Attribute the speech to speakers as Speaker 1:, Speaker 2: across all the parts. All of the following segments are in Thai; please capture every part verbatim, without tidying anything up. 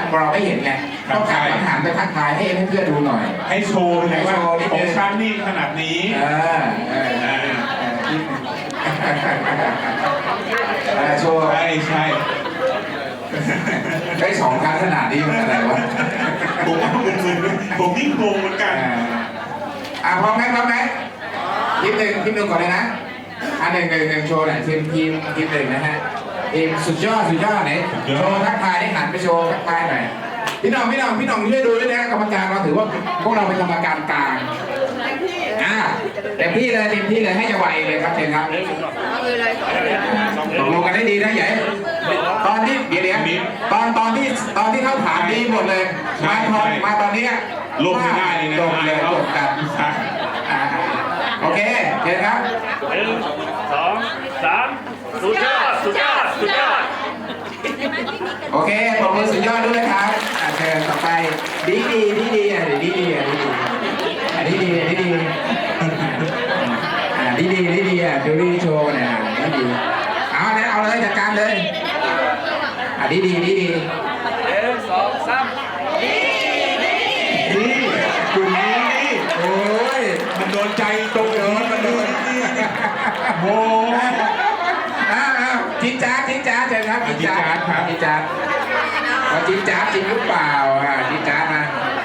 Speaker 1: เราไม่เห็นไงต้องการอาหารไปทักทายให้ให้เพื่อนดูหน่อย
Speaker 2: ให้โชว์เลยว่าของฉันนี่ขนาดนี้
Speaker 1: เออโชว์
Speaker 2: ใช่ใช่
Speaker 1: ได้สองครั้งขนาดนี้มันอะไรวะ
Speaker 2: ผมว่ามึนๆผมยิ่งงงเหมือนกัน
Speaker 1: อ่าพร้อมไหมพร้อมไหมทีมหนึ่งทีมหนึ่งก่อนเลยนะอันหนึ่งหนึ่งหนึ่งโชว์หน่อยทีมทีมทีมหนึ่งนะฮะทีมสุดยอดสุดยอดไหนโชว์ทักทายได้หันไปโชว์ทักทายหน่อยพี่น้องพี่น้องพี่น้องช่วยดูด้วยนะกรรมการเราถือว่าพวกเราเป็นกรรมการกลางอ่าเต็มที่เลยเต็มที่เลยให้จะไหวเลยครับเชิญครับตกลงกันได้ดีนะใหญ่ตอนที่เดี๋ยวเดี๋ยวตอนตอนที่ตอนที่เข้าถามดีหมดเลยมาตอนมาตอนนี้
Speaker 2: ลงไม่ได้เลยนะ
Speaker 1: จบเลยจบกันโอเคเชิญครับ
Speaker 3: หนึ่งสองสามสุดยอดสุดยอดสุดยอด
Speaker 1: โอเคปรบมือสุดยอดด้วยครับเชิญต่อไปดีดีดีดีอ่ะดีดีอ่ะดีดีอ่ะดีดีดีดีอ่ะดีดีดีดีอ่ะดูดีโชว์เนี่ยดีดีเอาเนี่ยเอาเลยจัดการเลยอ่ะดีดีดีดี
Speaker 3: หนึ่งสองสาม
Speaker 1: ดีดีกลุ่มนี้โอ้ย
Speaker 2: มันโดนใจตรงโดนมันโดนโอ้
Speaker 1: อ้าวจิ๊จ้าจิ๊จ้าเชิญครับจิ๊จ้าครับจิ๊จ้าว่าจิ๊จ้าจริงหรือเปล่าอ่ะจิ๊จ้ามา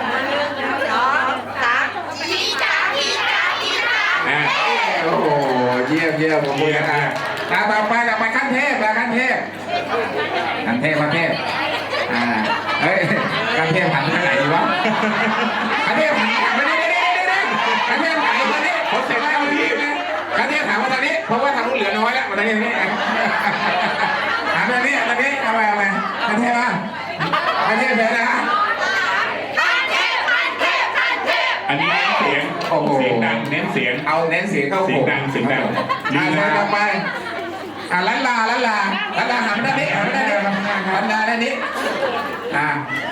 Speaker 1: โอ้โหเยี่ยมเยี่ยมผมพูดนะตาต่อไปต่อไปขั้นเทพนะขั้นเทพขั้นเทพขั้นเทพอ่าเฮ้ยขั้นเทพหันไปไหนดีวะขั้นเทพหันไปนี่นี่นี่นี่ขั้นเทพหันไปนี่ผมเสร็จแล้วนี่ขั้นเทพถามว่าตอนนี้เพราะว่าทางนู้นเหลือน้อยแล้วตอนนี้นี่ถามตอนนี้ตอนนี้เอาไปเอาไปขั้นเทพอ่ะขั้นเทพเลยนะ
Speaker 2: อันนี้เสียงเสียงดังเน้นเสียง
Speaker 1: เอาเน้นเสียงเข้า
Speaker 2: เสียงดังเสียงดัง
Speaker 1: อ่าเลยต่อไปอ่าลันลาลันลาลันลาหันด้านนี้หันด้านนี้หันด้านนี้อ่า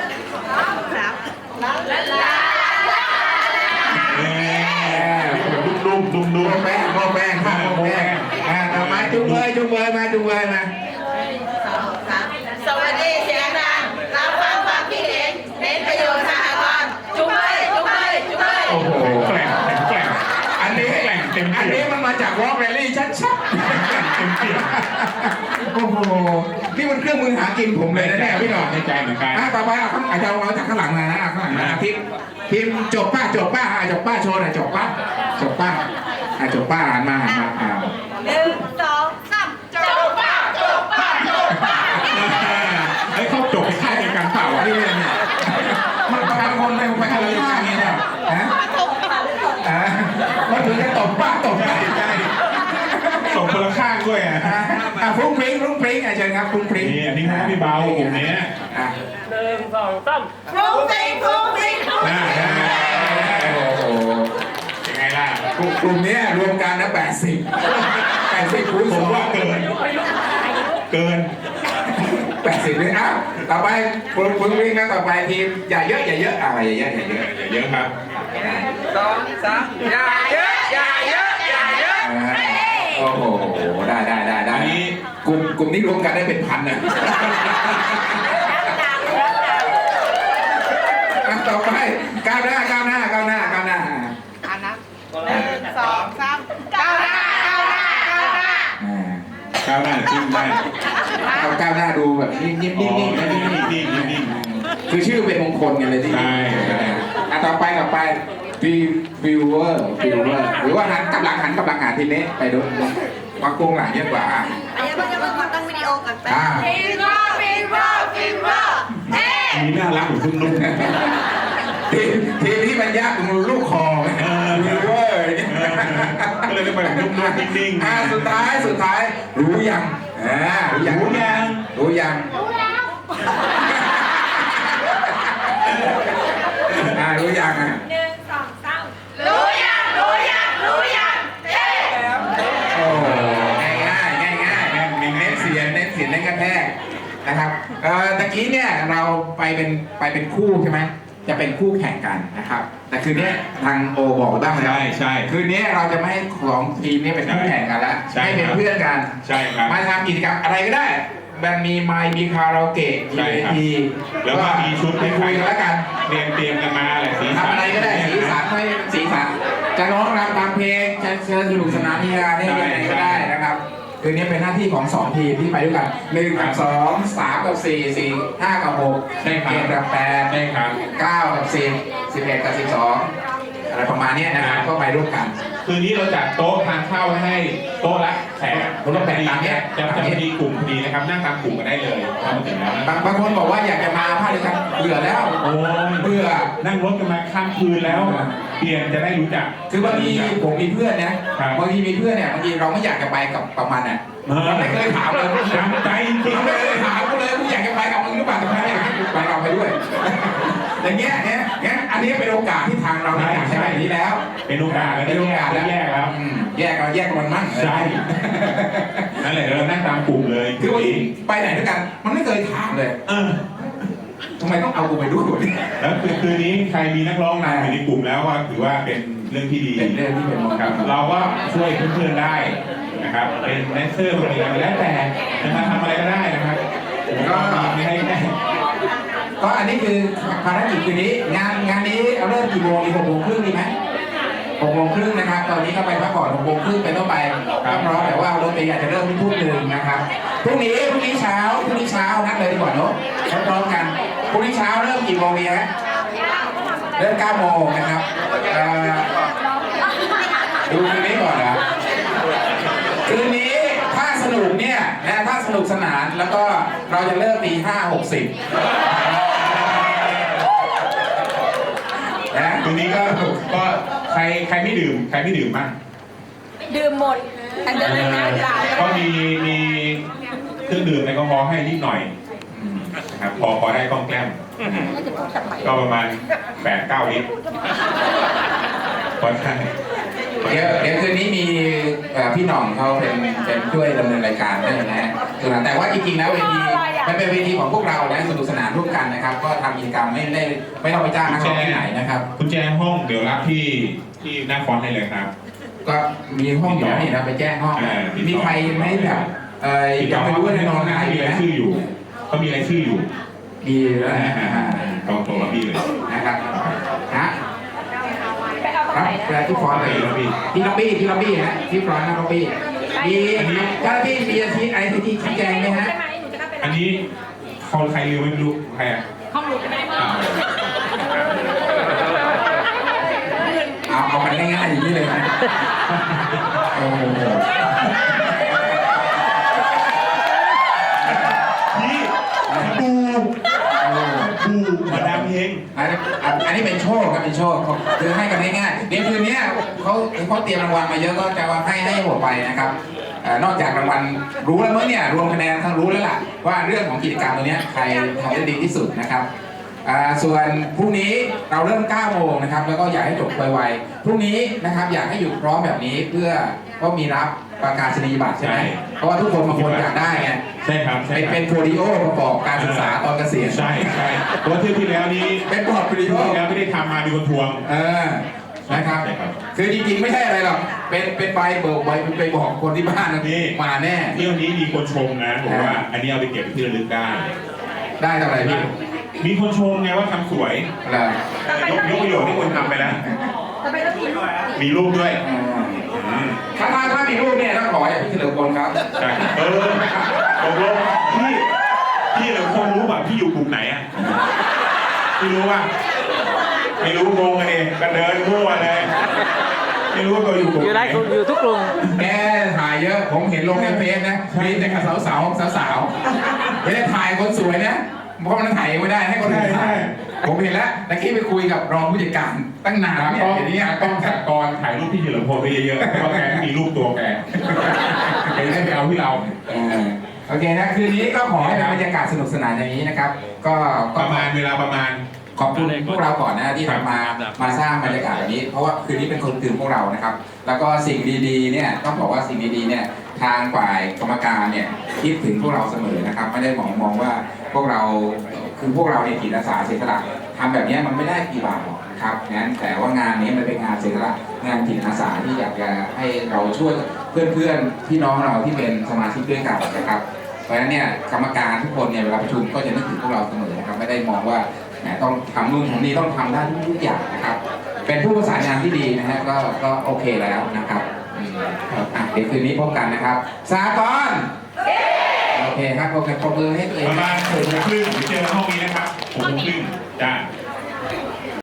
Speaker 1: ลันลา
Speaker 2: ดุมดุมดุมดุม
Speaker 1: แป้งโมแป้งโมแป้งอ่าต่อมาจุงเบยจุงเบยมาจุงเบยมา
Speaker 4: สวัสดีเสียงดังรับฟังความคิดเห็นเน้นประโยชน์สหกรณ์จุ๊บเลยจุ๊บเลยจุ๊บเลย
Speaker 2: โอ้โหแกล่งแกล่ง
Speaker 1: อันนี้
Speaker 2: แกล่งเต็ม
Speaker 1: อันนี้มันมาจากวอล์กแรลลี่ชัด
Speaker 2: ๆเต็มเปี่ยม
Speaker 1: โอ้โหนี่มันเครื่องมือหากินผมเลยนะเนี่ยพี่หน่อย
Speaker 2: ในใจเหมือนกัน
Speaker 1: ต่อไปเอาอาจจะเอาจากข้างหลังมานะข้างหลังนะพิมพิมจบป้าจบป้าจบป้าโชว์หน่อยจบป้าจบป้าจบป้าหันมาหันมาอ่า
Speaker 4: หนึ่งสองสามจบป้าจบป้าจบป้า
Speaker 2: ไอ้เขาจบค่ายในการเปล่า
Speaker 1: นี่เนี่ยมันบางคนไปไปอะไรอย่างนี้เนี่ยฮะอ่ามันถึงจะตบป้าตบป้าใช่
Speaker 2: ส่งคนละข้างด้วยอ่ะ
Speaker 1: อ่ะฟรุ้งฟริ้งฟรุ้งฟริ้งอ่ะเชิญครับฟรุ้งฟริ้ง
Speaker 2: นี่อันนี้นะพี่เบากลุ่มนี้
Speaker 1: อ่ะ
Speaker 3: หนึ่งสองสาม
Speaker 4: ฟรุ้งฟริ้งฟรุ้งฟริ้ง
Speaker 2: น่าได้
Speaker 1: โอ้โห
Speaker 2: ยังไงล่ะ
Speaker 1: กลุ่มนี้รวมกันนะแปดสิบแปดสิบคูณสอง
Speaker 2: ว่าเกินเกิน
Speaker 1: แปดสิบเลยอ้าวต่อไปคุณคุณวิ่งนะต่อไปทีมอย่าเยอะอย่าเยอะอ่าอย่าเยอะอย่าเยอะ
Speaker 2: อย่าเยอะครับ
Speaker 3: สองสามอย่าเยอะอย่าเยอะอย่าเยอะ
Speaker 1: โอ้โหได้ได้ได้ได้กลุ่มกลุ่มนี้รวมกันได้เป็นพันนะต่อไปก้าวหน้าก้าวหน้าก้าวหน้าก้าวหน้า
Speaker 4: อันนะหนึ่งสองสามก้าวหน้าก้าวหน้าก้าวหน้า
Speaker 2: ก้าวหน้าจิ้มได้
Speaker 1: เอาก้าวหน้าดูแบบนิ่งนิ่งนิ่งนิ่งนิ่ง
Speaker 2: นิ่งนิ่ง
Speaker 1: คือชื่อเป็นมงคลกันเลยที่
Speaker 2: ใช่
Speaker 1: อ่ะต่อไปต่อไปฟิวฟิวเวอร์ฟิวเวอร์หรือว่าหันกำลังหันกำลังหาทีนี้ไปดูวางโกงหลังเยอะกว่าอ่ะ
Speaker 4: อันนี้มันจะมาตั้งวิดีโอกันไปฟิวเวอร์ฟิวเวอร์ฟิวเวอร์เฮ้
Speaker 2: มีน่ารักเหมือนคุณลุง
Speaker 1: ทีทีที่มันยากตรงลูกคอฟิวเวอร์
Speaker 2: ก็เลยได้ไปนุ่มๆนิ่งๆ
Speaker 1: อ่ะสุดท้ายสุดท้ายรู้ยังอ่ารู้ยัง
Speaker 2: รู้ยัง
Speaker 1: รู้ยังอ่ารู้ยังอ่ะ
Speaker 4: หนึ่งสองสามรู้ยังรู้ยังรู้ยังเฮ้
Speaker 1: โอ้ง่ายง่ายง่ายง่ายเน้นเสียงเน้นเสียงเน้นกระแทกนะครับเอ่อตะกี้เนี่ยเราไปเป็นไปเป็นคู่ใช่ไหมจะเป็นคู่แข่งกันนะครับแต่คืนนี้ทางโอบอกบ้างแล้ว
Speaker 2: ใช่ใช่
Speaker 1: คืนนี้เราจะไม่ให้สองทีมนี้เป็นคู่แข่งกันแล้วให้เป็นเพื่อนกัน
Speaker 2: ใช่ครับ
Speaker 1: มาทำกิจกรรมอะไรก็ได้แบนมีไมค์มีคาราโอเกะมี
Speaker 2: ใช่
Speaker 1: เว
Speaker 2: ครับ
Speaker 1: ที
Speaker 2: แล้วก็มีชุด
Speaker 1: ไปคุยกันแล้วกัน
Speaker 2: เตรียมเตรียมกันมาแหละสีสัน
Speaker 1: ทำอะไรก็ได้สีสันให้สีสันจะร้องรำตามเพลงจะเชิญสนุกสนานมีงานได้ยังไงก็ได้นะครับคืนนี้เป็นหน้าที่ของสองทีมที่ไปด้วยกันหนึ่งกับสองสามกับสี่สี่ห้ากับหก
Speaker 2: ใช่ครับ
Speaker 1: เจ็ดกับแปด
Speaker 2: ใช่ครับ
Speaker 1: เก้ากับสิบสิบเอ็ดกับสิบสองอะไรประมาณเนี้ยนะครับก็ไปร่วมกัน
Speaker 2: คืนนี้เราจัดโต๊ะทานข้าวให้โต๊ะละแขก
Speaker 1: โต๊ะละแขกตามเนี้ย
Speaker 2: จะจะพอดีกลุ่มพอดีนะครับนั่งตามกลุ่มกันได้เลยพอมาถึงแล้ว
Speaker 1: บางบางคนบอกว่าอยากจะมาภาคเดียวกันเบื่อแล้ว
Speaker 2: โอ้ย
Speaker 1: เบื่อ
Speaker 2: นั่งรถกันมาข้ามคืนแล้ว เปลี่ยนจะได้รู้จัก
Speaker 1: คือบางทีผมมีเพื่อนนะครับ บางทีมีเพื่อนเนี่ยบางทีเราไม่อยากจะไปกับกับมันอ่ะ
Speaker 2: เออ
Speaker 1: เราไม่เคยถามเลย
Speaker 2: จำใจจริง
Speaker 1: เราไม่เคยถามกูเลยกูอยากจะไปกับมึงหรือเปล่าแต่ไม่อยากให้กูไปเราไปด้วย อย่างเงี้ยเนี่ยงั้นอันนี้เป็นโอกาสที่ทางเราเนี่ยอยากให้แบบนี้แล้ว
Speaker 2: เป็นโอกาสแล้ว
Speaker 1: เป็นโอกาสแล้ว
Speaker 2: แยกแล้ว
Speaker 1: อืมแยกเราแยกกันมันมั่ง
Speaker 2: ใช่นั่นแหละเรานั่งตามกลุ่มเลย
Speaker 1: คือบางทีไปไหนด้วยกัน มันไม่เคยถามเลย
Speaker 2: เออ
Speaker 1: ทำไมต้องเอากูไปด้วยวะเนี่ย
Speaker 2: แล้วคือคืนนี้ใครมีนักร้องนำอยู่ในกลุ่มแล้วก็ถือว่าเป็นเรื่องที่ดี
Speaker 1: เป็นเรื่องที่เป็นมง
Speaker 2: ค
Speaker 1: ค
Speaker 2: รับ
Speaker 1: ล
Speaker 2: เราก็ช่วยเพื่อนๆได้นะครับ เป็นแดนเซอร์เป็นอะไรแล้วแต่จะมาทำอะไรก็ได้นะครับผมก็มีให้แค่
Speaker 1: ก็อันนี้คือภารกิจคืนนี้งานงานนี้เอาเริ่มกี่โมงดีหกโมงครึ่งดีไหมหกโมงครึ่งนะครับ ตอนนี้ก็ไปพักผ่อนหกโมงครึ่งเป็นต้นไปก็พร้อมแต่ว่ารถเมล์อาจจะเริ่มที่ทุ่มหนึ่งนะครับพรุ่งนี้พรุ่งนี้เช้าพรุ่งนี้เช้านัดเลยดีกว่าเนอะพร้อมกันพรุ่งนี้เช้าเริ่มกี่โมงดีฮะเริ่มเก้าโมงนะครับเอ่อดูคืนนี้ก่อนนะคืนนี้ถ้าสนุกเนี่ยนะถ้าสนุกสนานแล้วก็เราจะเริ่มตีห้าหกสิบนะ
Speaker 2: คืนนี้ก็ก็ใครใครไม่ดื่มใครไม่ดื่มบ้าง
Speaker 4: ดื่มหมดอันเดินหน้าเปล่า
Speaker 2: ก็มีมีเครื่องดื่มแอลกอฮอล์ให้นิดหน่อยนะครับพอพอได้กล้องแกล้ม
Speaker 4: แล้วจะพูดทำไม
Speaker 2: ก็ประมาณแปดเก้าลิตรพอได้
Speaker 1: เดี๋ยวเดี๋ยวคืนนี้มีเอ่อพี่หน่องเขาเป็นเป็นช่วยดำเนินรายการด้วยนะฮะแต่ว่าจริงๆแล้วเวทีมันเป็นเวทีของพวกเรานะสนุกสนานร่วมกันนะครับ ก็ทำกิจกรรมไม่ได้ไม่ต้องไปจ้างนักร้องที่ไหนนะครับ
Speaker 2: กุญแจห้องเดี๋ยวรับที่ที่หน้าฟอนต์ได้เลยครับ
Speaker 1: ก็มีห้องอยู่แล้วนี่นะไปแจ้งห้อง
Speaker 2: เออ
Speaker 1: มีใครไหมแบบเอออยากไปรู้ว่าในนอนไหน
Speaker 2: มี
Speaker 1: ไห
Speaker 2: ราย
Speaker 1: ม
Speaker 2: ชื่ออยู่เขามีรายชื่ออยู่
Speaker 1: มีแล้วนะ
Speaker 2: ตรงตรงรับพี่เลย
Speaker 1: นะครับฮะ
Speaker 4: ไปเอา
Speaker 1: ครับ
Speaker 4: ไป
Speaker 1: แปลที่ฟอนต์เลยที่ล็อบบี้ที่ล็อบบี้ฮะที่ฟอนต์นะล็อบบี้มีเจ้าหน้าที่มีอาชีพอะไรที่ชี้แจงไหมฮะ
Speaker 4: ใช่ไหมหนูจะเข้าไป
Speaker 2: อันนี้เขาใครลืมไม่รู้ใครอ่ะ
Speaker 4: ห้องหนูจะไม่ได้
Speaker 2: อ่า
Speaker 1: เอาเอากันง่ายๆอย่างนี้เลยนะโอ้โห
Speaker 2: พี่ปูปูมาดามเฮง
Speaker 1: อันนี้อันนี้เป็นโชคครับเป็นโชคคือให้กันง่ายๆเดี๋ยวคืนนี้เขาเขาเตรียมรางวัลมาเยอะก็จะให้ให้หมดไปนะครับเอ่อนอกจากรางวัลรู้แล้วมั้งเนี่ยรวมคะแนนทั้งรู้แล้วล่ะว่าเรื่องของกิจกรรมตัวนี้ใครทำได้ดีที่สุดนะครับอ่าส่วนพรุ่งนี้เราเริ่มเก้าโมงนะครับแล้วก็อยากให้จบไวๆพรุ่งนี้นะครับอยากให้อยู่พร้อมแบบนี้เพื่อก็มีรับประกาศนียบัตรใช่ไหมเพราะว่าทุกคนบางคนอยากได้ไง
Speaker 2: ใช่ครับใช่
Speaker 1: เป็น
Speaker 2: ครับ
Speaker 1: เป็นโพลิโอประกอบการศึกษาตอนเกษียณ
Speaker 2: ใช่ใช่เพราะว่าเที่ยวที่แล้วนี้
Speaker 1: เป็นพอร์ตโพลิ
Speaker 2: เที่
Speaker 1: โอ
Speaker 2: ยวที่แล้วไม่ได้ทำมามีคนทวง
Speaker 1: เออนะครับ
Speaker 2: ใช่ครับ
Speaker 1: คือจริงๆไม่ใช่อะไรหรอกเป็นเป็นใบเบิกใบไปบอกคนที่บ้านนะ
Speaker 2: นี่
Speaker 1: มาแน่
Speaker 2: เที่ยวนี้มีคนชมนะบอกว่าอันนี้เอาไปเก็บที่ระลึกได้
Speaker 1: ได้เท่าไหร่พี่
Speaker 2: มีคนชมไงว่าทำสวย
Speaker 1: เหรอย
Speaker 2: กยกประโยชน์ที่คนทำไปแล้ว
Speaker 4: ทำไมต้องมีลูก
Speaker 2: มีรูปด้วย
Speaker 1: อืม
Speaker 2: อืม
Speaker 1: ถ้าถ้าถ้ามีรูปเนี่ยต้องขออย่างพี่เฉลิมพลครับ
Speaker 2: ใช่เออตกลงพี่พี่เหลือคนรู้ป่ะพี่อยู่กลุ่มไหนอ่ะพี่รู้ป่ะไม่รู้งงกันเองก็เดินมั่วเลยไม่รู้ว่าตัวอยู่กลุ่ม
Speaker 5: อยู่
Speaker 2: ไหน
Speaker 5: ได้อยู่ทุกกลุ่ม
Speaker 1: แกถ่ายเยอะผมเห็นลงในเฟซนะมีแต่กับสาวสาวสาวสาวๆไม่ได้ถ่ายคนสวยนะเพราะมันถ่ายเองไม่ได้ให้คนอื่นถ่ายผมเห็นแล้วตะกี้ไปคุยกับรองผู้จัดการตั้งนาน
Speaker 2: ตา
Speaker 1: เนี่ย
Speaker 2: กล้อง
Speaker 1: เดี๋ยวนี้
Speaker 2: ตากล้องสากรถ่ายรูปพี่เฉลิมพลไปเยอะๆเพราะว่าแกไม่มีรูปตัวแกแกจะได้ไปเอาที่เรา
Speaker 1: เออโอเคนะคืนนี้ก็ขอให้เป็นบรรยากาศสนุกสนานอย่างนี้นะครับ ก็
Speaker 2: ป
Speaker 1: ก็
Speaker 2: ระมาณเวลาประมาณ
Speaker 1: ขอบคุณพวกเราก่อนนะที่ทำมามาสร้างบรรยากาศแบบนี้ เพราะว่าคืนนี้เป็นคนตื่นพวกเรานะครับ แล้วก็สิ่งดีๆเนี่ยต้องบอกว่าสิ่งดีๆเนี่ยทางฝ่ายกรรมการเนี่ยคิดถึงพวกเราเสมอนะครับ ไม่ได้มองมองว่าพวกเราคือพวกเราเนี่ยจิตอาสาเสียสละทำแบบนี้มันไม่ได้กี่บาทหรอกนะครับงั้นแต่ว่างานนี้มันเป็นงานเสียสละงานจิตอาสาที่อยากจะให้เราช่วยเพื่อนๆพี่น้องเราที่เป็นสมาชิกด้วยกันนะครับราะฉะนั้นเนี่ยกรรมการทุกคนเนี่ยเวลาประชุมก็จะนึกถึงพวกเราเสมอนะครับไม่ได้มองว่าแหมต้องทำนู่นทำนี่ต้องทำได้ทุกอย่างนะครับเป็นผู้ประสานงานที่ดีนะฮะก็ก็โอเคแล้วนะครับอืมครับอ่ะเดี๋ยวคืนนี้พบกันนะครับสากลโอเคครับโอเคปรบมือให้ตัวเอ
Speaker 2: ป
Speaker 1: ง
Speaker 2: ระมาณหกโมงครึ่งเดี๋ยวเจอกันห้องนี้นะครับหกโมงครึ่งจ้า